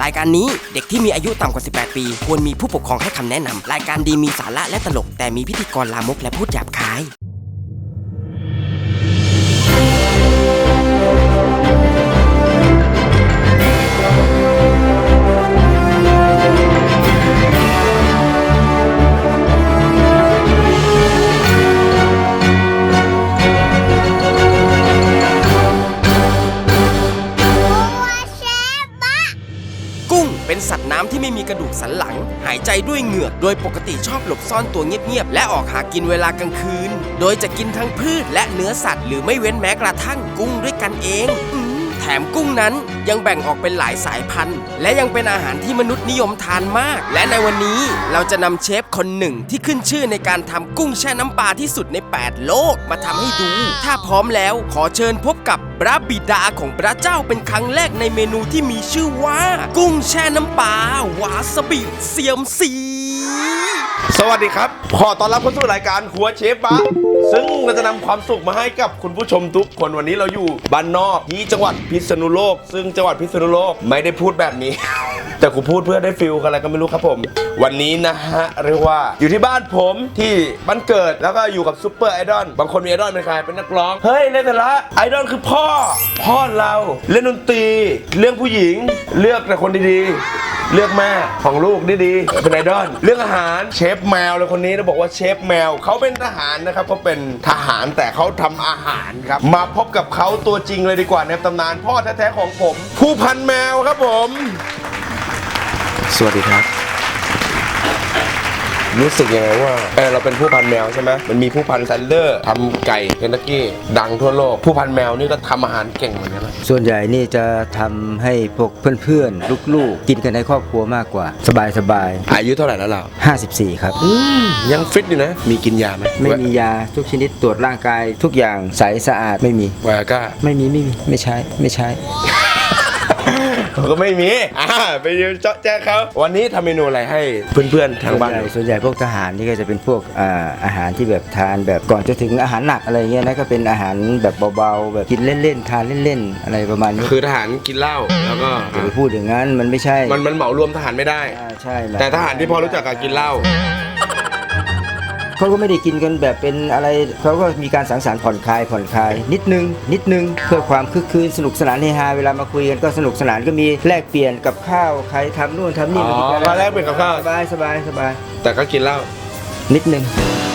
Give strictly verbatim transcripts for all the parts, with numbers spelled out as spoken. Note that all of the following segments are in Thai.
รายการนี้เด็กที่มีอายุต่ำกว่าสิบแปดปีควรมีผู้ปกครองให้คำแนะนำรายการดีมีสาระและตลกแต่มีพิธีกรลามกและพูดหยาบคายเป็นสัตว์น้ำที่ไม่มีกระดูกสันหลังหายใจด้วยเหงือกโดยปกติชอบหลบซ่อนตัวเงียบๆและออกหากินเวลากลางคืนโดยจะกินทั้งพืชและเนื้อสัตว์หรือไม่เว้นแม้กระทั่งกุ้งด้วยกันเองแถมกุ้งนั้นยังแบ่งออกเป็นหลายสายพันธุ์และยังเป็นอาหารที่มนุษย์นิยมทานมากและในวันนี้เราจะนำเชฟคนหนึ่งที่ขึ้นชื่อในการทำกุ้งแช่น้ำปลาที่สุดในแปดโลกมาทำให้ดูถ้าพร้อมแล้วขอเชิญพบกับพระบิดาของพระเจ้าเป็นครั้งแรกในเมนูที่มีชื่อว่ากุ้งแช่น้ำปลาวาซาบิเซียมซีสวัสดีครับขอต้อนรับเข้าสู่รายการครัวเชฟบะซึ่งเราจะนำความสุขมาให้กับคุณผู้ชมทุกคนวันนี้เราอยู่บ้านนอกที่จังหวัดพิษณุโลกซึ่งจังหวัดพิษณุโลกไม่ได้พูดแบบนี้แต่กูพูดเพื่อได้ฟิลอะไรก็ไม่รู้ครับผมวันนี้นะฮะเรียกว่าอยู่ที่บ้านผมที่บ้านเกิดแล้วก็อยู่กับซุปเปอร์ไอดอลบางคนมีไอดอลเป็นใครเป็นนักร้องเฮ้ยในแต่ละไอดอลคือพ่อพ่อเราเล่นดนตรีเรื่องผู้หญิงเลือกแต่คนดีๆเลือกแม่ของลูกดีๆเป็นไอดอลเรื่องอาหารเชฟแมวเลยคนนี้เราบอกว่าเชฟแมวเขาเป็นทหารนะครับเขาเป็นทหารแต่เขาทำอาหารครับมาพบกับเขาตัวจริงเลยดีกว่าในตำนานพ่อแท้ๆของผมผู้พันแมวครับผมสวัสดีครับรู้สึกยังไงว่าเออเราเป็นผู้พันแมวใช่ไหมมันมีผู้พันแซนเดอร์ทำไก่เคนตักกี้ดังทั่วโลกผู้พันแมวนี่ก็ทำอาหารเก่งเหมือนกันนะส่วนใหญ่นี่จะทำให้พวกเพื่อนๆลูกๆกินกันในครอบครัวมากกว่าสบายๆอายุเท่าไหร่แล้วเราห้าสิบสี่ครับยังฟิตอยู่นะมีกินยาไหมไม่มียาทุกชนิดตรวจร่างกายทุกอย่างใสสะอาดไม่มีวาก้าไม่มีไม่มีไม่ใช้ไม่ใช้ก็ไม่มีอ่าไปยืนเจาะแจ๊เขาวันนี้ทำเมนูอะไรให้เพื่อนๆทางบ้านส่วนใหญ่พวกทหารนี่ก็จะเป็นพวกอ่าอาหารที่แบบทานแบบก่อนจะถึงอาหารหนักอะไรเงี้ยนะก็เป็นอาหารแบบเบาๆแบบกินเล่นๆทานเล่นๆอะไรประมาณนี้คือทหารกินเหล้าแล้วก็อย่าไปพูดอย่างนั้นมันไม่ใช่มันมันเหมารวมทหารไม่ได้ใช่แต่ทหารที่พอรู้จักกับกินเหล้าเขาก็ไม่ได้กินกันแบบเป็นอะไรเขาก็มีการสังสรรค์ผ่อนคลายผ่อนคลายนิดนึงนิดนึงเพื่อความคึกคืนสนุกสนานเฮฮาเวลามาคุยกันก็สนุกสนานก็มีแลกเปลี่ยนกับข้าวใครทำนู่นทำนี่มาแลกเปลี่ยนกับข้าวสบายสบายสบายแต่ก็กินเหล้านิดนึง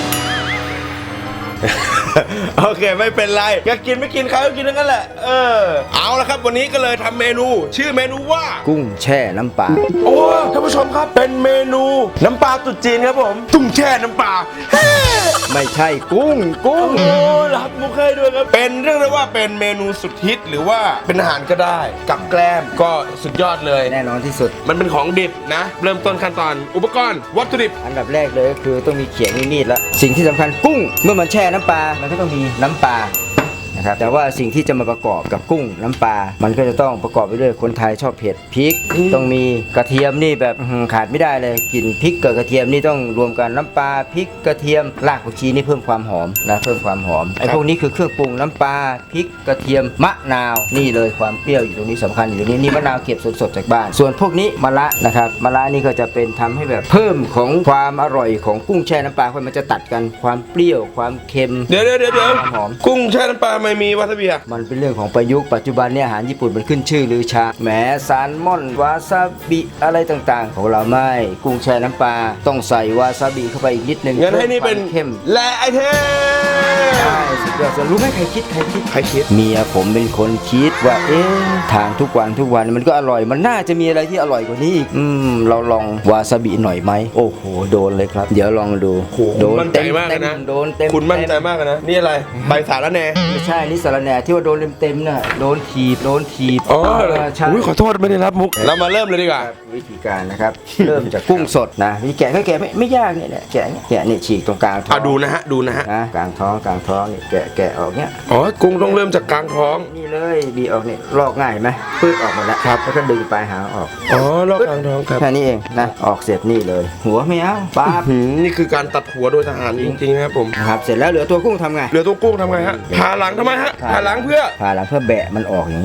โอเคไม่เป็นไรอยากกินไม่กินเขาก็กินทั้งนั้นแหละเออเอาละครับวันนี้ก็เลยทำเมนูชื่อเมนูว่ากุ้งแช่น้ำปลาโอ้ท่านผู้ชมครับเป็นเมนูน้ำปลาตุ๊ดจีนครับผมตุ้งแช่น้ำปลาไม่ใช่กุ้งกุ้งโอ้รับมุกให้ด้วยครับเป็นเรื่องได้ว่าเป็นเมนูสุดฮิตหรือว่าเป็นอาหารก็ได้กับแกล้มก็สุดยอดเลยแน่นอนที่สุดมันเป็นของดิบนะเริ่มต้นขั้นตอนอุปกรณ์วัตถุดิบอันดับแรกเลยก็คือต้องมีเขียงมีดละสิ่งที่สำคัญกุ้งเมื่อมันแช่น้ำปลามันก็ต้องมีน้ำปลานะครับแต่ว่าสิ่งที่จะมาประกอบกับกุ้งน้ำปลามันก็จะต้องประกอบไปด้วยคนไทยชอบเผ็ดพริกต้องมีกระเทียมนี่แบบขาดไม่ได้เลยกลิ่นพริกกับกระเทียมนี่ต้องรวมกันน้ำปลาพริกกระเทียมรากผักชีนี่เพิ่มความหอมนะเพิ่มความหอมไอ้พวกนี้คือเครื่องปรุงน้ำปลาพริกกระเทียมมะนาวนี่เลยความเปรี้ยวอยู่ตรงนี้สำคัญอยู่ตรงนี้นี่มะนาวเก็บสดๆจากบ้านส่วนพวกนี้มะระนะครับมะระนี่ก็จะเป็นทำให้แบบเพิ่มของความอร่อยของกุ้งแช่น้ำปลามันจะตัดกันความเปรี้ยวความเค็มเดี๋ยวเดี๋ยวเดี๋ยวกุ้งแช่น้ำปลาไม่มีวาซาบิมันเป็นเรื่องของประยุกต์ปัจจุบันเนี่ยอาหารญี่ปุ่นมันขึ้นชื่อลือชาแหมแซลมอนวาซาบิอะไรต่างๆของเราไม่กุ้งแช่น้ำปลาต้องใส่วาซาบิเข้าไปอีกนิดนึงงั้นให้นี่เป็นเข้มและไอเทมใช่สุดยอดรู้ไหมใครคิดใครคิดใครคิดเมียผมเป็นคนคิดว่าเอ๊ะทานทุกวันทุกวันมันก็อร่อยมันน่าจะมีอะไรที่อร่อยกว่านี้อีกอืมเราลองวาซาบิหน่อยไหมโอ้โหโดนเลยครับเดี๋ยวลองดูโดนเต็มมากนะโดนเต็มคุณมั่นใจมากนะนี่อะไรใบสาระแหน่ไม่ใช่นี่สาระแหน่ที่ว่าโดนเต็มๆน่ะโดนถีบโดนถีบอ๋อใช่ขอโทษไม่ได้รับมุกเรามาเริ่มเลยดีกว่าวิธีการนะครับเริ่มจากกุ้งสดนะวิธีแกะก็แกะไม่ไม่ยากเนี่ยแกะแกะเนี่ยฉีกตรงกลางท้องดูนะฮะดูนะฮะกลางท้องกลางท้องนี่แกะแกะออกเนี่ยอ๋อกุ้งต้องเริ่มจากกลางท้องนี่เลยบีออกนี่ลอกง่ายไหมปื้ดออกหมดแล้วครับแล้วก็ดึงปลายหางออกอ๋อลอกกลางท้องครับแค่นี้เองนะออกเสร็จนี่เลยหัวไม่เอาป๊าบนี่คือการตัดหัวโดยทหารจริงๆครับผมครับเสร็จแล้วเหลือตัวกุ้งทำไงเหลือตัวกุ้งทำไงฮะผ่าหลังทำไมฮะผ่าหลังเพื่อผ่าหลังเพื่อแบะมันออกอย่างนี้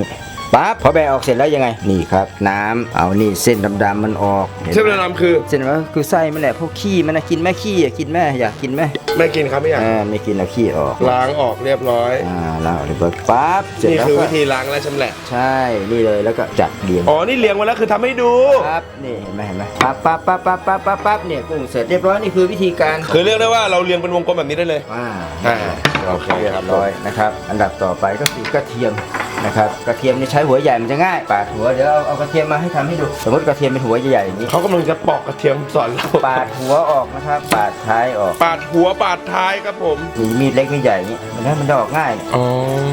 ปั๊บพอแบะออกเสร็จแล้วยังไงนี่ครับน้ำเอานี่เส้นดำๆมันออกห็นไหมเส้นดำๆคือเส้นว่าคือไส้มันแหละพวกขี้มันนะกินแม่ขี้อะกินแม่อยากกินแม่ไม่กินครับไม่อยากอ่าไม่กินเอาขี้ออกล้างออกเรียบร้อยอ่าล้างออกเรียบร้อยปั๊บเสร็จนี่แล้วคือก็วิธีล้างและชำแหละใช่นี่เลยแล้วก็จัดเรียงอ๋อนี่เลี้ยงไว้แล้วคือทำให้ดูปั๊บนี่เห็นไหมเห็นไหมปั๊บปั๊บปั๊บปั๊บปั๊บปั๊บปั๊บเนี่ยกุ้งเสร็จเรียบร้อยนี่คือวิธีการคือเรียกได้ว่าเราเลี้ยงเป็นวงกลมแบบนี้ได้เลยอ่าอ่าโอเคเรียครับบร้อยนะครับอันดับต่อไปก็คือกระเทียมนะครับกระเทียมนี่ใช้หัวใหญ่มันจะง่ายปาดหัวเดี๋ยวเอาเอากระเทียมมาให้ทำให้ดูสมมติกระเทียมเป็นหัวใหญ่ๆอย่างนี้เขากำลังจะปอกกระเทียมสอนเราปาดหัวออกนะครับปาดท้ายออกปาดหัวปาดท้ายครับผมมีมีดเล็กมีดใหญ่อย่างนี้มันให้มันจะออกง่ายเนี่ยอ๋อก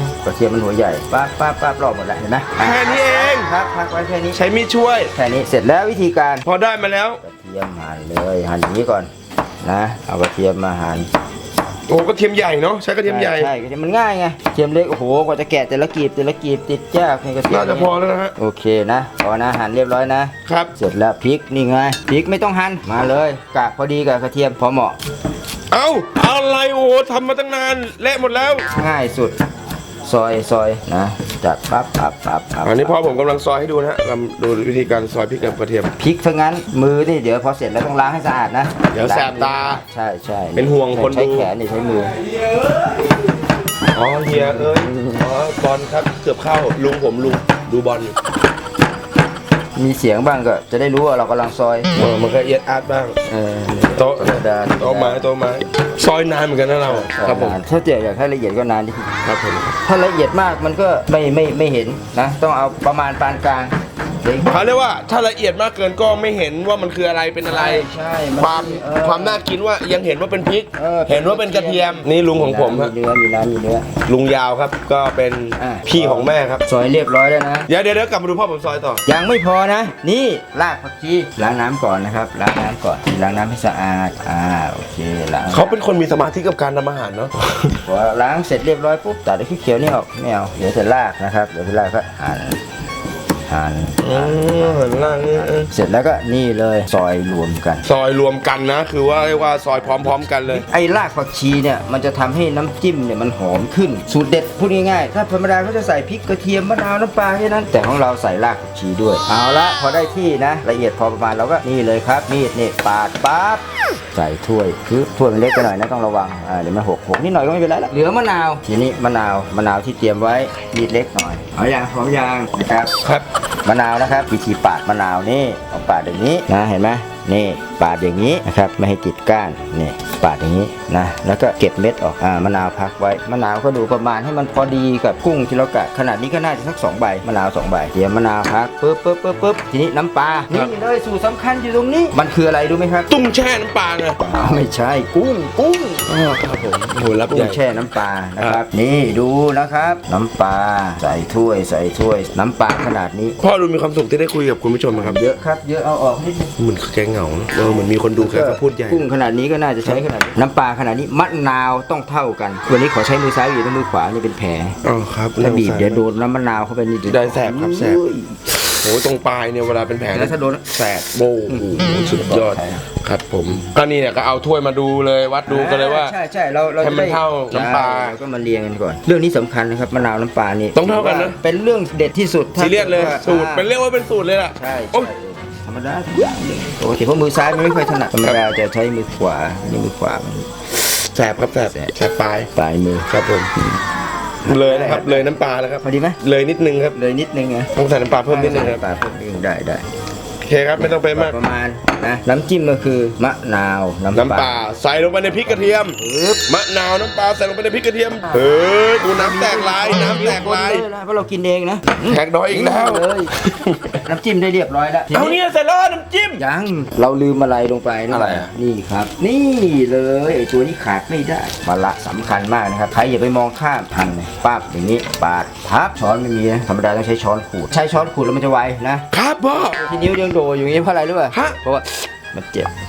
ระเทียมมันหัวใหญ่ปั๊บปั๊บปั๊บรอบหมดแล้วเห็นไหมแค่นี้เองครับพักไว้แค่นี้ใช้มีดช่วยแค่นี้เสร็จแล้ววิธีการพอได้มาแล้วกระเทียมหั่นเลยหั่นอย่างนี้ก่อนนะเอากระเทียมมาหั่นโอ้กระเทียมใหญ่เนาะใช้กระเทียมใหญ่ใช่กระเทียมมันง่ายไงกระเทียมเล็กโอ้โหกว่าจะแกะแต่ละกีบแต่ละกีบติดยากในกระเทียมน่าจะพอแล้วนะฮะโอเคนะพอนะหั่นเรียบร้อยนะครับ เสร็จแล้วพริกนี่ไงพริกไม่ต้องหั่นมาเลยกะพอดีกับกระเทียมพอเหมาะเอ้าอะไรโอ้โหทำมาตั้งนานเละหมดแล้วง่ายสุดซอยซอยนะจัดปั๊บปั๊บปั๊บปั๊บอันนี้พ่อผมกำลังซอยให้ดูนะฮะลำดูวิธีการซอยพริกกับกระเทียมพริกทั้งนั้นมือนี่เดี๋ยวพอเสร็จแล้วต้องล้างให้สะอาดนะเดี๋ยวแสบตาใช่ใช่เป็นห่วงคนดูใช้แขนนี่ใช้มืออ๋อเฮียเอ้ยอ๋อบอลครับเกือบเข้าลุงผมลุงดูบอลอยู่มีเสียงบ้างก็จะได้รู้ว่าเรากำลังซอยเออมันก็เอียดอาร์ตบ้างเออโต๊ะธรรมดาโต๊ะไม้โต๊ะไม้ซอยนานเหมือนกันนะเราครับผมถ้าเจ๊อยากให้ละเอียดก็นานนิดนึงครับผมถ้าละเอียดมากมันก็ไม่ไม่ไม่เห็นนะ ต้องเอาประมาณปานกลางเด็กเขาเรียกว่าถ้าละเอียดมากเกินก็ไม่เห็นว่ามันคืออะไรเป็นอะไรใช่นความเออความน่ากินว่ายังเห็นว่าเป็นพริกออเห็นว่าเป็นกระเทียมนี่ลุงของผมฮะมีเนื้อมีน้ำมีเนื้อลุงยาวครับก็เป็นอ่าพี่ของแม่ครับซอยเรียบร้อยแล้วนะเดี๋ยวเดี๋ยวเดี๋ยวกลับมาดูพ่อผมซอยต่อยังไม่พอนะ นี่รากผักชีล้างน้ำก่อนนะครับล้างน้ำก่อนล้างน้ำให้สะอาดอ่าโอเคล้างเขาเป็นคนมีสมาธิกับการทำอาหารเนาะพอล้างเสร็จเรียบร้อยปุ๊บตัดไอ้ขี้เขียวนี่ออกไม่เอาเดี๋ยวจะรากนะครับเดี๋ยวจะรากก็หั่นหั่นอืมหันล่างนี่เออเสร็จแล้วก็นี่เลยซอยรวมกันซอยรวมกันนะ คือว่าเรียกว่าซอยพร้อม ๆ กันเลยไอ้รากผักชีเนี่ยมันจะทำให้น้ำจิ้มเนี่ยมันหอมขึ้นสูตรเด็ดพูดง่ายๆถ้าธรรมดาเขาจะใส่พริกกระเทียมมะนาวน้ำปลาแค่นั้นแต่ของเราใส่รากผักชีด้วยเอาละพอได้ที่นะละเอียดพอประมาณเราก็นี่เลยครับมีดเนี่ยปาดปั๊บใส่ถ้วยคือถ้วยมันเล็กไปหน่อยนะต้องระวังอ่าเดี๋ยวมันหกหกนิดหน่อยก็ไม่เป็นไรละเหลือมะนาวทีนี้มะนาวมะนาวที่เตรียมไว้มีดเล็กหน่อยเอาอย่างพร้อมยางนะครับครับมะนาวนะครับวิธีปาดมะนาวนี่ต้องปาดอย่างนี้นะเห็นไหมนี่ปาดอย่างนี้นะครับไม่ให้ติดก้านนี่ปาดอย่างนี้นะแล้วก็เก็บเม็ดออกอ่ามะนาวพักไว้มะนาวก็ดูประมาณให้มันพอดีกับกุ้งที่เรากะขนาดนี้ก็น่าจะสักสองใบมะนาวสองใบเตรียมมะนาวพักปึ๊บปึ๊บปึ๊บปึ๊บทีนี้น้ำปลานี่เลยสูตรสำคัญอยู่ตรงนี้มันคืออะไรรู้ไหมครับตุ้งแช่น้ำปลาไงอ้าวไม่ใช่กุ้งกุ้งอ๋อครับผมโอ้โหรับกุ้ใหญ่งแช่น้ำปลานะครับนี่ดูนะครับน้ำปลาใส่ถ้วยใส่ถ้วย น้ำปลาขนาดนี้พ่อดูมีความสุขที่ได้คุยกับคุณผู้ชมนะครับเยอะครับเยอะเอาออกนิดนึงเหมือนแกเหงาเนอะเออเหมือนมีคนดูแค่เขาพูดใหญ่กุ้งขนาดนี้ก็น่าจะใช้ขนาดนี้น้ำปลาขนาดนี้มะนาวต้องเท่ากันวันนี้ขอใช้มือซ้ายอยู่ในมือขวานี่เป็นแผลอ๋อครับถ้าบีบเดี๋ยวโดนน้ำมะนาวเข้าไปนี่ได้แสบครับแสบโอ้ยโอ้ตรงปลายเนี่ยเวลาเป็นแผลแล้วถ้าโดนแสบโบ้โอ้โหสุดยอดครับผมก็นี่เนี่ยก็เอาถ้วยมาดูเลยวัดดูกันเลยว่าใช่ใช่เราเราให้มันจะได้เท่าน้ำปลาใช่เรก็มาเรียงกันก่อน เรื่องนี้สำคัญนะครับมะนาวน้ำปลานี่ต้องเท่ากันนะเป็นเรื่องเด็ดที่สุดถ้าซีเรียสเลยกิดว่าสูตรอ่าเป็นเรียกว่าเป็นสูตรเลยล่ะใช่โอ้ใช่ธรรมดาทุกอย่างเลยปกติเพราะมือซ้ายมันไม่ค่อยถนัดธรรมดาจะใช้มือขวาอันนี่มือขวามันแสบครับแสบแสบปลายปลายมือครับผมเลยนะครับเลยน้ำปลาแล้วครับพอดีไหมเลยนิดนึงครับเลยนิดนึงไงต้องใส่น้ำปลาเพิ่มนิดนึงครับปลาเพิ่มนิดนึงได้ได้โอเคครับไม่ต้องไปมากประมาณนะน้ำจิ้มก็คือมะนาวน้ำน้ำปลาใส่ลงไปในพริกกระเทียมปึ๊บมะนาวน้ำปลาใส่ลงไปในพริกกระเทียมเฮ้ยดูน้ำแตกลายน้ำแตกลายคนเลยนะเพราะเรากินเองนะแขกน้อยอีกแล้วเลยน้ำจิ้มได้เรียบร้อยแล้วทีเอาเนี่ยเสร็จแล้วน้ำจิ้มยังเราลืมอะไรลงไปนอะไรอ่ะนี่ครับ นี่เลยไอ้ตัวนี้ขาดไม่ได้มะละสำคัญมากนะครับใครอย่าไปมองข้ามหั่นเลยปั๊บอย่างนี้ปาดพับช้อนไม่มีนะธรรมดาต้องใช้ช้อนขูดใช้ช้อนขูดแล้วมันจะไวนะครับพ่อที่นิ้วยังโดอยู่อย่างนี้เพราะอะไรรู้ป่ะฮะเพราะว่ามันเจ็บ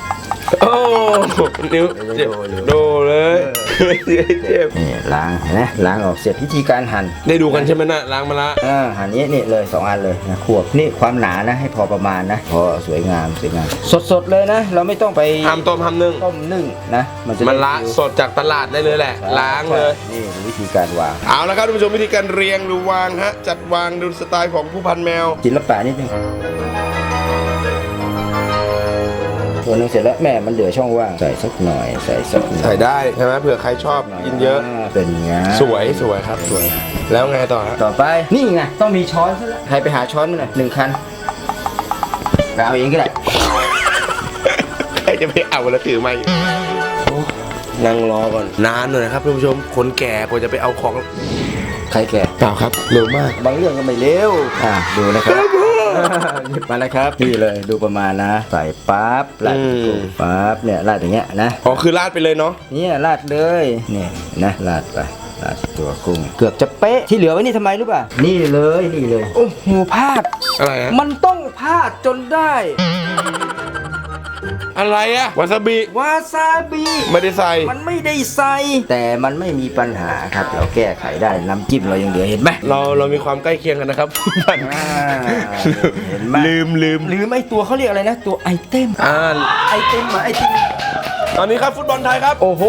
โอ้นิ้วเจ็บโดเลยเจ็บนี่ล้างเห็นไหมล้างออกเสร็จวิธีการหั่นได้ดูกันใช่ไหมนะล้างมาละอ่าหั่นนี้นี่เลยสองอันเลยนะขวบนี่ความหนานะให้พอประมาณนะพอสวยงามสวยงามสดๆเลยนะ เราไม่ต้องไปทำต้มทำนึ่งต้มนึ่งนะมันจะมันละได้สดจากตลาดได้เลยแหละ ล้างเลยนี่วิธีการวางเอาละครับท่านผู้ชมวิธีการเรียงหรือวางฮะจัดวางดูสไตล์ของผู้พันแมวศิลปะนิดนึงตัวนึงเสร็จแล้วแม่มันเหลือช่องว่างใส่สักหน่อยใส่สักหน่อยใส่ได้ใช่ไหมเผื่อใครชอบกินเยอะเป็นไงสวยสวยครับสวย แล้วไงต่อฮะต่อไปนี่ไงต้องมีช้อนซะแล้วใครไปหาช้อนมาหน่อยหนึ่งคันไปเอาเองก็ได้ใครจะไปเอาแล้วถือมานั่งรอก่อนนานหน่อยนะครับท่านผู้ชมคนแก่กว่าจะไปเอาของใครแก่เปล่าครับเร็วมากบางเรื่องก็ไม่เร็วอ่ะดูนะครับหยิบมานะครับนี่เลยดูประมาณนะ ใส่ปั๊บราดกุ้งปั๊บเนี่ยราดอย่างเงี้ยนะอ๋อคือราดไปเลยเนาะเนี่ยราดเลยเนี่ยนะราดไปราดตัวกุ้งเกือบจะเป๊ะที่เหลือไว้นี่ทำไมรู้ป่ะนี่เลยนี่เลยโอ้โหพลาดอะไรฮะมันต้องพลาดจนได้อะไรอะวาซาบิวาซาบิไม่ได้ใส่มันไม่ได้ใส่ แต่มันไม่มีปัญหาครับ เราแก้ไขได้น้ำจิ้มเรายังเหลือเห็นไหมเราเรามีความใกล้เคียงกันนะครับผู้พันอ่าเห็นไหมลืมลืมหรือไม่ตัวเขาเรียกอะไรนะ ตัวไอเทมอ่าไอเทมมาไอเทมตอนนี้ครับฟุตบอลไทยครับโอ้โห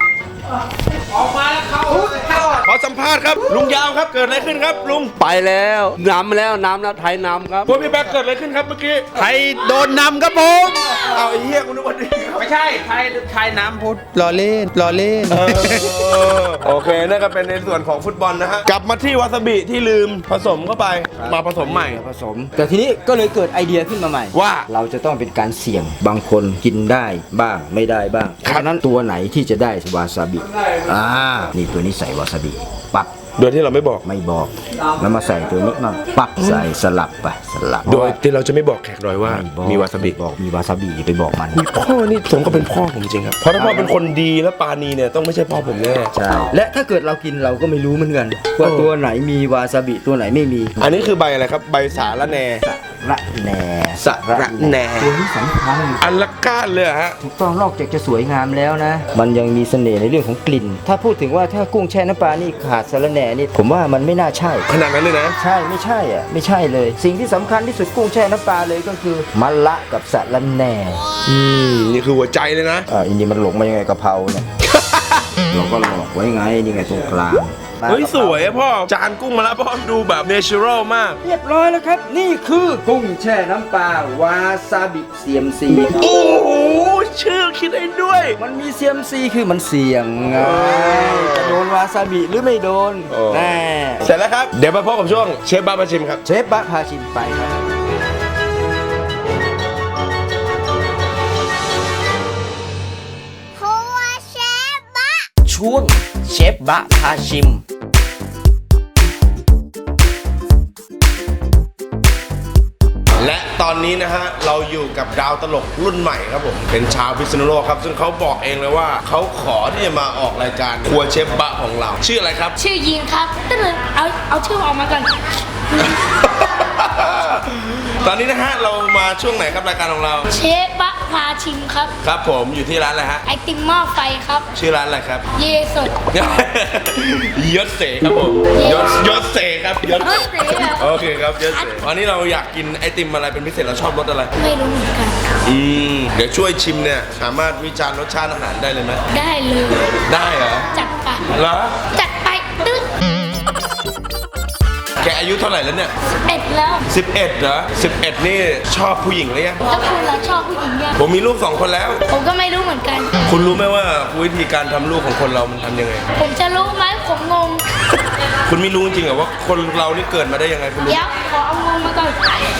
ขอสัมภาษณ์ครับลุงยาวครับเกิดอะไรขึ้นครับลุงไปแล้วนำแล้วน้ำแล้วไทยนำครับพวกพี่แบ๊กเกิดอะไรขึ้นครับเมื่อกี้ไทยโดนนำครับผมเอาไอ้เหี้ยคุณนึกว่าดีครับไม่ใช่ไทยไทยน้ำพุทธรอเล่นรอเล่นเออโอเคนั่นก็เป็นในส่วนของฟุตบอลนะฮะกลับมาที่วาซาบิที่ลืมผสมเข้าไปมาผสมใหม่ผสม แต่ทีนี้ก็เลยเกิดไอเดียขึ้นมาใหม่ว่าเราจะต้องเป็นการเสี่ยงบางคนกินได้บ้างไม่ได้บ้างเพราะฉะนั้นตัวไหนที่จะได้วาซาบิอ่านี่ตัวนี้ใส่วาซาบิปักโดยที่เราไม่บอกไม่บอกแล้วมาใส่ตัวนี้มาปักใส่สลับไปสลับโดยที่เราจะไม่บอกแขกดอยว่าไบอกมีวาซาบิบอกมีวาซาบิอย่าไปบอกมันพ่อนี่สมก็เป็นพ่อผมจริงครับเพราะถ้าพ่อเป็นคนดีและปาณีเนี่ยต้องไม่ใช่พ่อผมแน่ใช่และถ้าเกิดเรากินเราก็ไม่รู้เหมือนกันว่าเออตัวไหนมีวาซาบิตัวไหนไม่มีอันนี้คือใบอะไรครับใบสาละแหนระแหน่สะระแหน่ตัวนี้สำคัญอันละก้านเลยเหรอฮะถูกต้องนอกจากจะสวยงามแล้วนะ มันยังมีเสน่ห์ในเรื่องของกลิ่น ถ้าพูดถึงว่าถ้ากุ้งแช่น้ำปลานี่ขาดสะระแหน่นี่ผมว่ามันไม่น่าใช่ขนาดนั้นเลยนะใช่ไม่ใช่อ่ะไม่ใช่เลย สิ่งที่สำคัญที่สุดกุ้งแช่น้ำปลาเลยก็คือมะละกับสะระแหน่อืมนี่คือหัวใจเลยนะอ่าอินนี่มันหลงมายังไงกะเพราเนี่ย เราก็หลอกไว้ไงนี่ไงตรงกลางเฮ้ยสวยอะพ่อจานกุ้งมาแล้วพ่อดูแบบเนเชอรัลมากเรียบร้อยแล้วครับ นี่คือกุ้งแช่น้ำปลาวาซาบิเซียมซีโอ้โหชื่อคิดได้ด้วยมันมีเซียมซีคือมันเสี่ยงไงจะโดนวาซาบิหรือไม่โดนโอ้แน่เสร็จแล้วครับ เดี๋ยวมาพบกับช่วงเชฟบ้ามาชิมครับเชฟบะพาชิมไปครับครัวเชฟบะช่วงเชฟบะพาชิมและตอนนี้นะฮะเราอยู่กับดาวตลกรุ่นใหม่ครับผมเป็นชาวพิษณุโลกครับซึ่งเขาบอกเองเลยว่าเขาขอที่จะมาออกรายการครัวเชฟบะของเรา ชื่ออะไรครับชื่อยีนครับตึ้งเอาเอาชื่อออกมาก่อนตอนนี้นะฮะเรามาช่วงไหนครับรายการของเราเชฟบะพาชิมครับครับผมอยู่ที่ร้านอะไรฮะไอติมหม้อไฟครับชื่อร้านอะไรครับเยสดยศเสครับผมยศยศเสครับยศยศเสเหรอโอเคครับยศเสวันนี้เราอยากกินไอติมอะไรเป็นพิเศษเราชอบรสอะไรไม่รู้เหมือนกันอืมเดี๋ยวช่วยชิมเนี่ยสามารถวิจารณ์รสชาติอาหารได้เลยไหมได้เลยได้เหรอจัดไปเหรอจัดไปตึ้งแกอายุเท่าไหร่แล้วเนี่ยเอ็ดแล้วสิบเอ็ดเหรอสิบเอ็ดนี่ชอบผู้หญิงหรือยังแล้วคุณล่ะชอบผู้หญิงยังผมมีลูกสองคนแล้วผมก็ไม่รู้เหมือนกันคุณรู้ไหมว่าวิธีการทำลูกของคนเรามันทำยังไงผมจะรู้ไหมผมงงคุณไม่รู้จริงๆเหรอว่าคนเรานี่เกิดมาได้ยังไงคุณรู้เดี๋ยวขอเอางงมาก่อน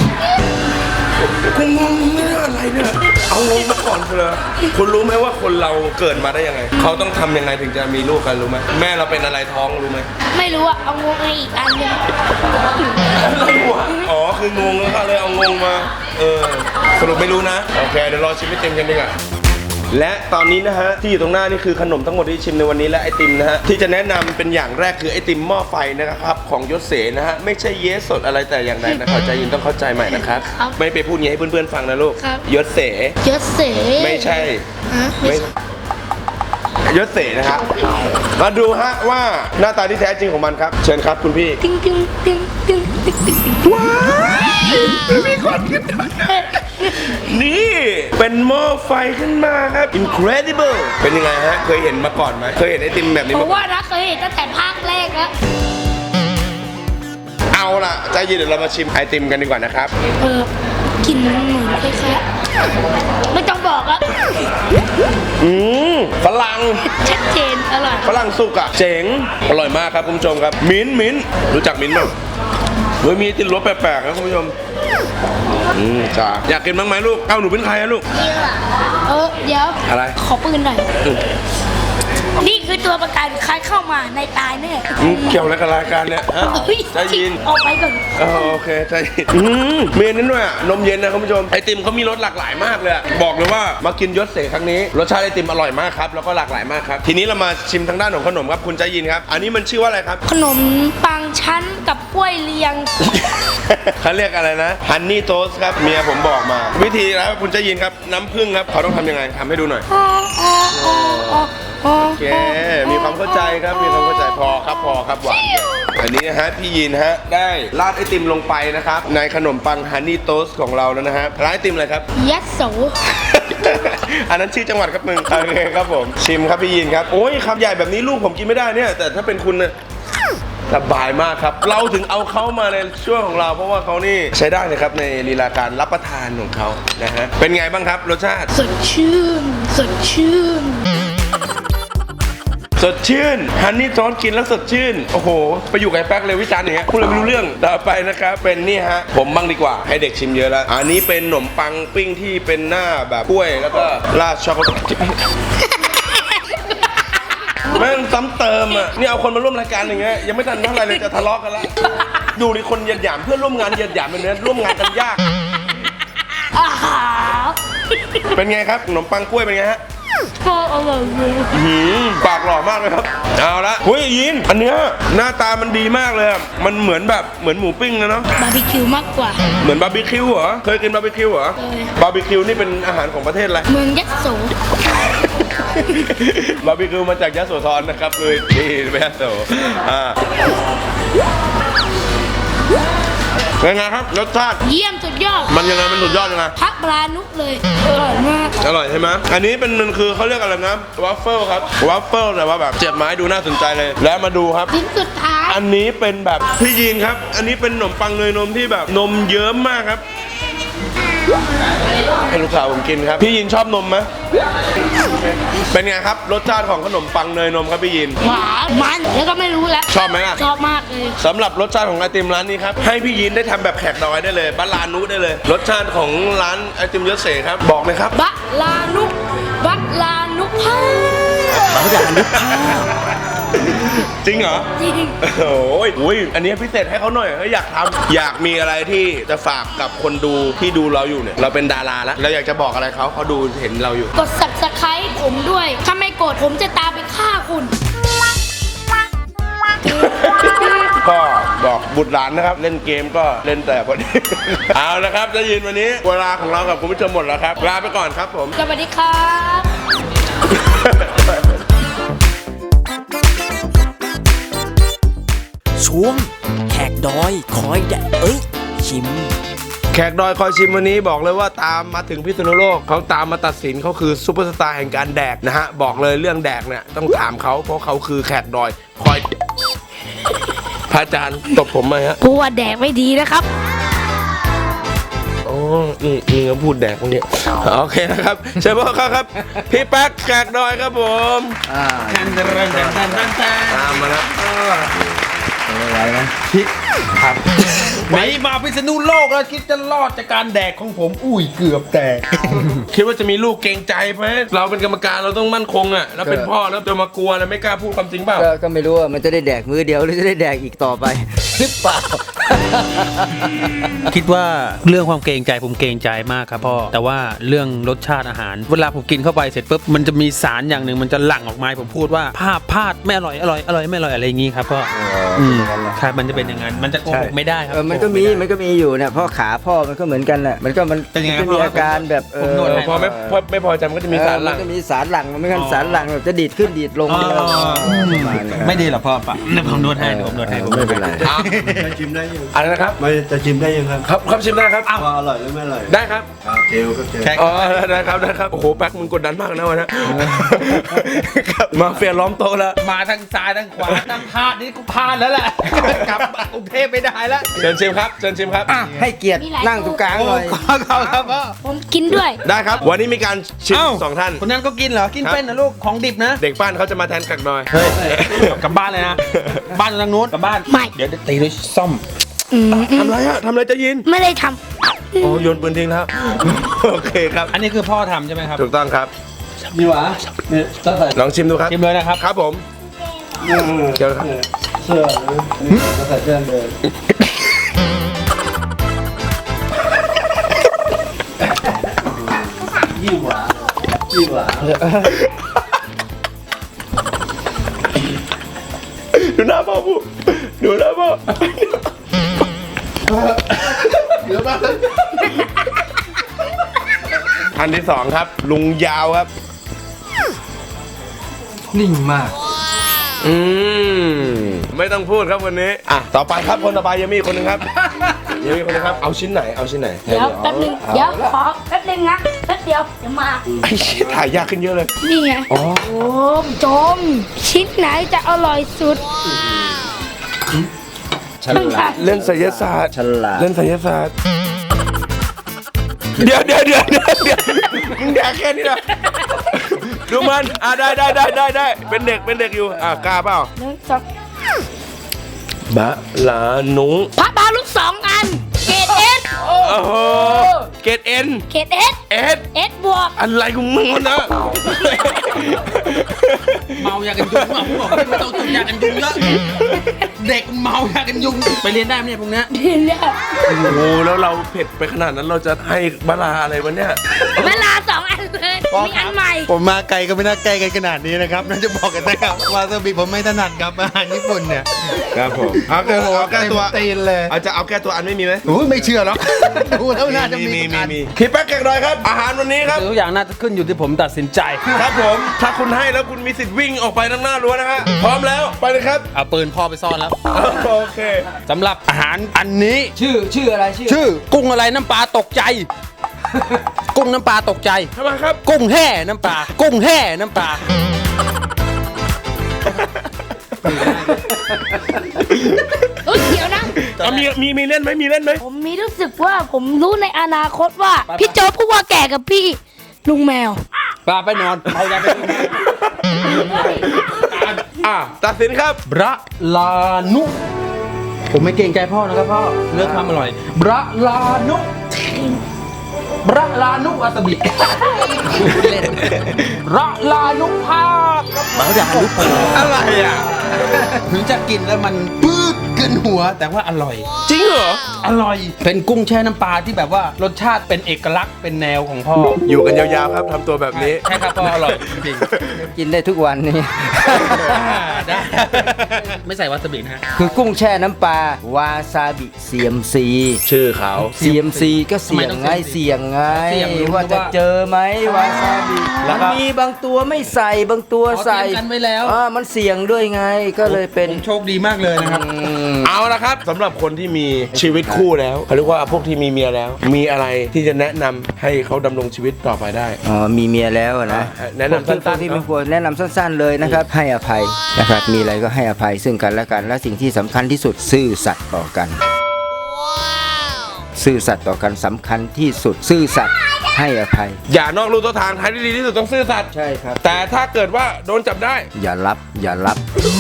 คุณงงไม่ได้อะไรเนี่ยเอางงมาก่อนเลยคุณรู้ไหมว่าคนเราเกิดมาได้ยังไงเขาต้องทำยังไงถึงจะมีลูกกันรู้ไหมแม่เราเป็นอะไรท้องรู้ไหมไม่รู้อะเอางงมาอีกอันหนึงอะไรวะอ๋อคืองงแล้วก็เลยเอางงมาเออสรุปไม่รู้นะโอเคเดี๋ยวรอชิมให้เต็มกันดีกว่าและตอนนี้นะฮะที่อยู่ตรงหน้านี่คือขนมทั้งหมดที่ชิมในวันนี้และไอติมนะฮะที่จะแนะนำเป็นอย่างแรกคือไอติมหม้อไฟนะครับของยศเสนะฮะไม่ใช่เยสสดอะไรแต่อย่างใดนะเข้าใจยินต้องเข้าใจใหม่นะครับไม่ไปพูดงี้ให้เพื่อนๆฟังนะลูกยศเสยศเสไม่ใช่ฮะไม่ยศเสนะครับมาดูฮะว่าหน้าตาที่แท้จริงของมันครับเชิญครับคุณพี่ติ้งติ้งติ้งติ้งติ้งติ้งติ้งว้าวมีคนขึ้นมานี่เป็นหม้อไฟขึ้นมาครับ incredible เป็นยังไงฮะเคยเห็นมาก่อนไหมเคยเห็นไอติมแบบนี้ผมาม ก่อนว่านะเคยเห็นตั้งแต่ภาคแรกแล้วเอาล่ะใจเย็นเดี๋ยวเรามาชิมไอติมกันดีกว่านะครับเออกินเหมือนคล้ายๆไม่ต้องบอกอะอืมฝรั่งชัดเจนอร่อยฝรั่งสุกอะเจ๋งอร่อยมากครับคุณผู้ชมครับมิ้นท์มิ้นท์รู้จักมิ้นท์ไหมเฮ้ยมีติดรสแปลกๆนะคุณผู้ชมอืมจ้าอยากกินบ้างไหมลูกเอ้าหนูเป็นใครอะลูกเออเดี๋ยวอะไรขอปืนหน่อย นี่คือตัวประกันใครเข้ามาในตายแน่อืมเกี่ยวอะไรกับรายการเนี่ยฮะเฮ้ยใจเย็นออกไปก่อนอ๋อโอเคใจเย็นอืมเมนนั้นด้วยอะนมเย็นนะคุณผู้ชมไอติมเขามีรสหลากหลายมากเลยอะบอกเลยว่ามากินยศเสครั้งนี้รสชาติไอติมอร่อยมากครับแล้วก็หลากหลายมากครับทีนี้เรามาชิมทางด้านของขนมครับคุณใจยินครับอันนี้มันชื่อว่าอะไรครับขนมปังชั้นกับกล้วยเลียงเขาเรียกอะไรนะฮันนี่โทสครับเมียผมบอกมา วิธีแล้วคุณใจยินครับน้ำผึ้งครับเขาต้องทำยังไงทำให้ดูหน่อย โอเค มีความเข้าใจครับ มีความเข้าใจพอครับ พอครับหวาน อันนี้นะฮะ พี่ยินฮะ ได้ราดไอติมลงไปนะครับ ในขนมปังฮันนี่โทสของเราแล้วนะฮะร้านไอติมอะไรครับยัดโสอันนั้นชื่อจังหวัดครับมึง โอเคครับผม ชิมครับพี่ยินครับ โอ้ยคำใหญ่แบบนี้ลูกผมกินไม่ได้เนี่ย แต่ถ้าเป็นคุณเนี่ยสบายมากครับ เราถึงเอาเขามาในช่วงของเรา เพราะว่าเขานี่ใช้ได้เลยครับในลีลาการรับประทานของเขานะฮะ เป็นไงบ้างครับรสชาติสดชื่น สดชื่นสดชื่นฮันนี่ซอสกินแล้วสดชื่น โอ้โห ไปอยู่กับไอ้แป๊กเลยวิจารณ์อย่างเงี้ยพูดเลยไม่รู้เรื่องต่อไปนะครับ เป็นนี่ฮะ ผมบ้างดีกว่าให้เด็กชิมเยอะแล้ว อันนี้เป็นขนมปังปิ้งที่เป็นหน้าแบบกล้วยแล้วก็ราดช็อกโกแลตแม่งซ้ำเติมอ่ะนี่เอาคนมาร่วมรายการอย่างเงี้ยยังไม่ทันเท่าไหร่เลยจะทะเลาะกันแล้วดูดิคนเหยียดหยามเพื่อนร่วมงานเหยียดหยามแบบนี้ร่วมงานกันยากอาหารเป็นไงครับขนมปังกล้วยเป็นไงฮะก็อร่อยเลยหืมปากหล่อมากเลยครับเอาละเฮ้ยยินอันเนี้ยหน้าตามันดีมากเลยอะมันเหมือนแบบเหมือนหมูปิ้งนะเนาะบาร์บีคิวมากกว่าเหมือนบาร์บีคิวเหรอเคยกินบาร์บีคิวเหรอเคยบาร์บีคิวนี่เป็นอาหารของประเทศอะไรเมืองยัดโสบาร์บีคิวมาจากยโสธรนะครับเลยนี่ไม่ยโสอ่าเป็นไงครับรสชาติเยี่ยมสุดยอดมันยังไงมันสุดยอดยังไงพักปลานุกเลย อร่อยมากอร่อยใช่ไหมอันนี้เป็นมันคือเขาเรียกอะไรนะวัฟเฟิลครับวัฟเฟิลแต่ว่าแบบเจ็บไม้ดูน่าสนใจเลย แล้วมาดูครับชิ้นสุดท้ายอันนี้เป็นแบบพี่ยีนครับ อันนี้เป็นขนมปังเนยนมที่แบบนมเยิ้มมากครับให้ลูกสาวผมกินครับพี่ยีนชอบนมไหมเป็นไงครับรสชาติของขนมปังเนยนมครับพี่ยีนหวานมันแล้วก็ไม่รู้แล้วชอบไหมล่ะชอบมากเลยสำหรับรสชาติของไอติมร้านนี้ครับให้พี่ยีนได้ทำแบบแขกดอยได้เลยบ้านลานุได้เลย รสชาติของร้านไอติมยศเสครับบอกเลยครับบะลานุกบะลานุกพาเขาอยากนึกภาพจริงเหรอจริงโอ้ยอุ้ยอันนี้พิเศษให้เขาหน่อยเฮ้ยอยากทำอยากมีอะไรที่จะฝากกับคนดูที่ดูเราอยู่เนี่ยเราเป็นดาราแล้วเราอยากจะบอกอะไรเขาเขาดูเห็นเราอยู่กด subscribe ผมด้วย ถ้าไม่กดผมจะตามไปฆ่าคุณก็บอกบุตรหลานนะครับ เล่นเกมก็เล่นแต่พอดี เอาละครับได้ยินวันนี้เวลาของเรากับคุณผู้ชมหมดแล้วครับลาไปก่อนครับผมสวัสดีครับช่วงแขกดอยคอยแดกเอ้ย ชิมแขกดอยคอยชิมวันนี้บอกเลยว่าตามมาถึงพิษณุโลกเขาตามมาตัดสินเขาคือซุปเปอร์สตาร์แห่งการแดกนะฮะบอกเลยเรื่องแดกเนี่ยต้องถามเขาเพราะเขาคือแขกดอยคอยพระอาจารย์ตบผมไหมฮะกูว่าแดกไม่ดีนะครับอ๋อนี่นี่เขาพูดแดกพวกนี้โอเคนะครับเชิญพ่อครับ พี่แป๊กแขกดอยครับผมอ่าตามมาแล้วอะไรนะพี่ครับไม่มาพิษณุโลกแล้วคิดจะรอดจากการแดกของผม อุ้ยเกือบแตกคิดว่าจะมีลูกเกรงใจไหมเราเป็นกรรมการเราต้องมั่นคงอ่ะแล้วเป็นพ่อแล้วจะมากลัวแล้วไม่กล้าพูดความจริงเปล่าก็ก็ไม่รู้ว่ามันจะได้แดกมือเดียวหรือจะได้แดกอีกต่อไปหรือเปล่าคิดว่าเรื่องความเกรงใจผมเกรงใจมากครับพ่อแต่ว่าเรื่องรสชาติอาหาร เวลาผมกินเข้าไปเสร็จปุ๊บมันจะมีสารอย่างหนึ่งมันจะหลั่งออกมาให้ผมพูดว่าภาพพลาดไม่อร่อยอร่อยอร่อยไม่อร่อยอะไรอย่างงี้ครับพ่ออืมครับมันจะเป็นอย่างนั้นมันจะโกหกไม่ได้ครับเออมันก็มีมันก็มีอยู่เนี่ยพ่อขาพ่อมันก็เหมือนกันแหละมันก็มันเป็นยังไงจะมีพ่ออาการแบบเอผมอนวดให้พอไม่พอไม่พอใจมันก็จะมีสารหลั่งเออมันก็มีสารหลั่งมันไม่งั้นสารหลั่งแบบจะดีดขึ้นดีดลงอ๋อประมาณนั้นไม่ดีหรอพ่อปะเดี๋ยวผมนวดให้เดี๋ยวผมนวดให้ผมไม่เป็นไรจะชิมได้ยังอะไรนะครับไม่จะชิมได้ยังครับครับครับชิมได้ครับว่าอร่อยหรือไม่อร่อยได้ครับครับเจลครับเจลอ๋อได้ครับได้ครับโอ้โหแป๊กมึงกดดันมากนะวันนี้ครับมาเฟียล้อมโต๊ะแล้วมาทางซ้ายทางขวาทางพลาดนี่กูพลาดแล้วแหละกลับกรุงเทพไม่ได้แล้วเชิญชิมครับเชิญชิมครับอ่ะให้เกียรติมีหลายนั่งตรงกลางหน่อยครับครับพ่อผมกินด้วยได้ครับ วันนี้มีการชิมเอ้าสองท่านคนนั้นก็กินเหรอกินครับเป็นนะลูกของดิบนะเด็กบ้านเขาจะมาแทนกักหน่อยเฮ้ยกลับบ้านเลยนะบ้านทางนู้นกลับบ้านไม่เดี๋ยวตีด้วยซ่อมอืมอืมทำไรอะทำไรจะยินไม่ได้ทอ๋อโยนปืนทิ้งแล้ว โอเคครับอันนี้คือพ่อทำใช่ไหมครับถูกต้องครับนี่หวะเนี่ยตั้งแต่ลองชิมดูครับชิมเลยนะครับครับผมเดี๋ยวครับเสื้อนี่ตั้งแต่เสื้อเลยยิ่งหวานยิ่งหวานดูหน้าพ่อผู้ดูหน้าพ่อท่านที่สองครับ ลุงยาวครับนิ่งมากอืมไม่ต้องพูดครับวันนี้อ่ะต่อไปครับคนต่อไปยังมีอีกคนหนึงครับยังมีอีกคนหนึงครับเอาชิ้นไหนเอาชิ้นไหนำเดี๋ยวแป๊บนึงเดี๋ยวขอแป๊บนึงนะแป๊บเดียวเดี๋ยวมาไอ้ชิ้นถ่ายยากขึ้นเยอะเลยนี่ไงโอ้จมชิ้นไหนจะอร่อยสุดฉลาดเล่นไสยศาสตร์ฉลาดเล่นไสยศาสตร์เดี๋ยวเดี๋ยวเดี๋ยวเดี๋ยวเดี๋ยวมึงแดกแค่นี้นะดูมันอ่ะได้ได้ได้ได้ได้เป็นเด็กเป็นเด็กอยู่อ่ะกล้าเปล่าหนึ่งสองบะลานุงพระบาลูกสองอัน เกรดเอสโอ้โหเกรดเอ็นเกรดเอสเอสเอสบวกอะไรของมึงวะนะเมายากันยุงอ่ะผมบอกไม่ต้องจุดยากันยุงเยอะเด็กเมายากันยุงไปเรียนได้ไหมเนี่ยพวกเนี้ยดีเนี่ยโอ้โหแล้วเราเผ็ดไปขนาดนั้นเราจะให้บะลาอะไรวะเนี่ยเวลาสองอันเลยมีอันใหม่ผมมาไกลก็ไม่น่าใกล้กันขนาดนี้นะครับน่าจะบอกกันนะครับวาซาบิผมไม่ถนัดครับอาหารญี่ปุ่นเนี่ยครับผมเอาแก้เอาแก้ตัวตีนเลยเอาจะเอาแก้ตัวอันไม่มีไหมโอ้ยไม่เชื่อหรอกดูแล้วน่าจะมีมีทุกมีอันมีพี่แป๊กแกงดอยครับ อาหารวันนี้ครับทุกอย่างน่าจะขึ้นอยู่ที่ผมตัดสินใจครับผม ถ้าคุณให้แล้วคุณมีสิทธิ์วิ่งออกไปทางหน้ารั้วนะฮะพร้อมแล้วไปเลยครับเอาปืนพ่อไปซ่อนแล้วโอเคสำหรับอาหารอันนี้ชื่อชื่ออะไรชื่อชื่อกุ้งอะไรน้ำปลาตกใจ กุ้งน้ำปลาตกใจทำไมครับกุ้งแห่น้ำปลากุ้งแห่น้ำปลาเฮ้ยเดี๋ยวนะเอามีมีมีเล่นไหมมีเล่นไหมผมมีรู้สึกว่าผมรู้ในอนาคตว่า พี่โจ๊กพูดว่าแก่กับพี่ ลุงแมวปลาไปนอนเอายาไปนอนอ่ะตัดสินครับบระลานุ ผมไม่เกรงใจพ่อนะครับพ่อเลือกความอร่อยบระลานุบระลานุวาซาบิเล่นระลานุภาคบระลานุภาคอะไรอ่ะถึงจะกินแล้วมันปื๊ดขึ้นหัวแต่ว่าอร่อยจริงเหรออร่อย เป็นกุ้งแช่น้ำปลาที่แบบว่ารสชาติเป็นเอกลักษณ์เป็นแนวของพ่ออยู่กันยาวๆครับทำตัวแบบนี้ใช่ครับพ่ออร่อยจริงกินได้ทุกวันนี่ได้ไม่ใส่วาซาบินะฮะคือกุ้งแช่น้ำปลาวาซาบิเซียมซีชื่อเขาเซียมซีก็เสี่ยงไงเสี่ยงไงเสี่ยงรู้ว่าจะว่าเจอไหมวาซาบิแล้วมันก็มีบางตัวไม่ใส่บางตัวอ๋อใส่เตรียมกันไว้แล้วอ่ามันเสี่ยงด้วยไงก็เลยเป็นผมโชคดีมากเลยนะครับอืมเอาละครับสำหรับคนที่มีชีวิตคู่แล้วเขาเรียกว่าพวกที่มีเมียแล้ว มีอะไรที่จะแนะนำให้เขาดำรงชีวิตต่อไปได้อ๋อมีเมียแล้วอะนะอ่าแนะนำสั้นๆพวกที่ไม่ควรแนะนำสั้น ๆเลยนะครับ ให้อภัยนะครับมีอะไรก็ให้อภัยซึ่งกันและกัน และสิ่งที่สำคัญที่สุดซื่อสัตย์ต่อกันซื่อสัตย์ต่อกันสำคัญที่สุดซื่อสัตย์ให้อภัยอย่านอกลู่ตัวทางทางที่ดีที่สุดต้องซื่อสัตย์ใช่ครับแต่ถ้าเกิดว่าโดนจับได้อย่ารับอย่ารับ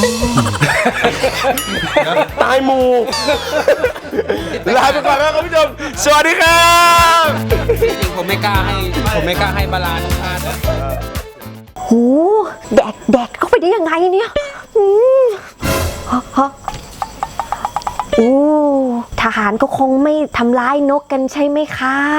ตายหมูลาไปก่อนแล้วครับผู้ชมสวัสดีครับจริงๆผมไม่กล้าให้ผมไม่กล้าให้บาลานซ์พลาดนะโหแดกแดกเข้าไปได้ยังไงเนี่ยอืมฮะฮะโอ้ทหารก็คงไม่ทำร้ายนกกันใช่ไหมครับ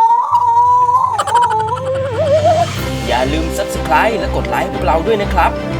อย่าลืม ซับสไครบ์ และกดไลค์พวกเราด้วยนะครับ